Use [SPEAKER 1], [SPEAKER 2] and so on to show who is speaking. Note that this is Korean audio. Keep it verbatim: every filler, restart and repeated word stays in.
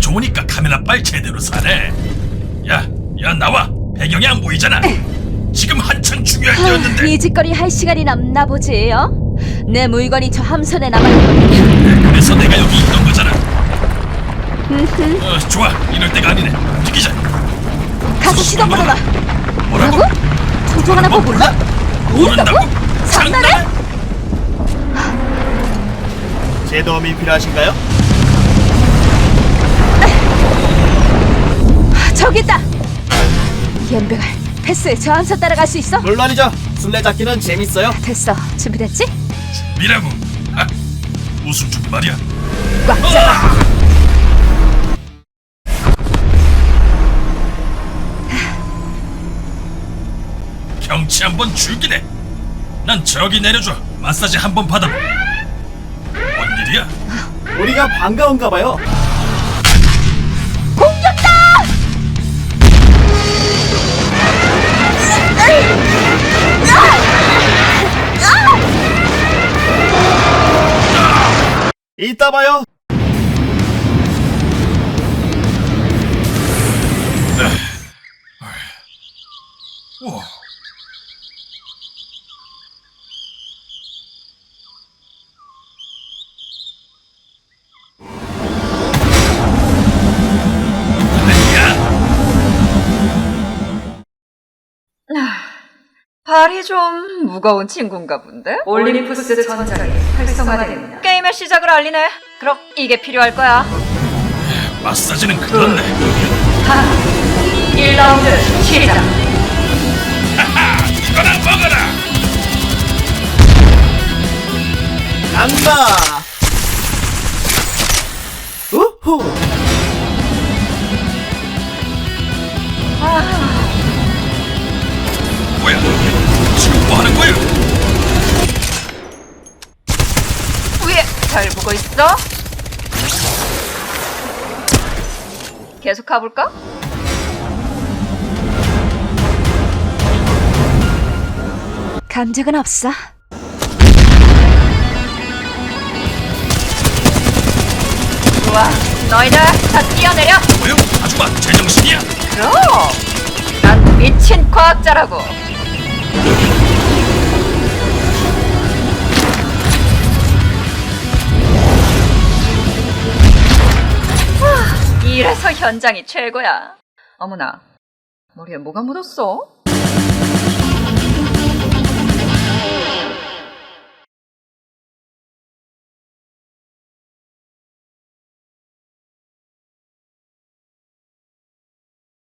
[SPEAKER 1] 좋으니까 카메라 빨 제대로 사네. 야, 야 나와. 배경이 안 보이잖아. 지금 한창 중요할 때였는데.
[SPEAKER 2] 이 짓거리 할 시간이 남나 보지, 어? 내 물건이 저 함선에 남아있거든.
[SPEAKER 1] 그래서 내가 여기 있던 거잖아. 어, 좋아. 이럴 때가 아니네. 움직이자.
[SPEAKER 2] 가서 시동 걸어봐.
[SPEAKER 1] 뭐라고?
[SPEAKER 2] 조종하나 거 몰라?
[SPEAKER 1] 모른다고?
[SPEAKER 2] 장난해?
[SPEAKER 3] 제 도움이 필요하신가요?
[SPEAKER 2] 저기 있다. 연병아, 패스. 저 함선 따라갈 수 있어?
[SPEAKER 3] 물론이죠. 술래잡기는 재밌어요.
[SPEAKER 2] 됐어. 준비됐지?
[SPEAKER 1] 준비라고? 아, 무슨 준말이야?
[SPEAKER 2] 꽉 잡아.
[SPEAKER 1] 경치 한번 죽이네. 난 저기 내려줘. 마사지 한번 받아. 뭔 일이야?
[SPEAKER 3] 우리가 반가운가 봐요.
[SPEAKER 2] 공격다!
[SPEAKER 3] 이따 봐요.
[SPEAKER 1] 우와.
[SPEAKER 4] 발이 좀 무거운 친구인가 본데? 올림푸스 전장이 활성화됩니다. 게임의 시작을 알리네. 그럼 이게 필요할 거야.
[SPEAKER 1] 마사지는 그렇네.
[SPEAKER 4] 하, 일 라운드 시작.
[SPEAKER 1] 하하, 이거나 먹어라.
[SPEAKER 3] 간다. 우후.
[SPEAKER 1] 뭐야? 지금 뭐 하는 거야?
[SPEAKER 4] 위에 잘 보고 있어. 계속 가볼까?
[SPEAKER 2] 감정은 없어.
[SPEAKER 4] 좋아, 너희들 다 뛰어내려.
[SPEAKER 1] 뭐요? 아줌마 제정신이야?
[SPEAKER 4] 그럼 난 미친 과학자라고. 하, 이래서 현장이 최고야. 어머나, 머리에 뭐가 묻었어?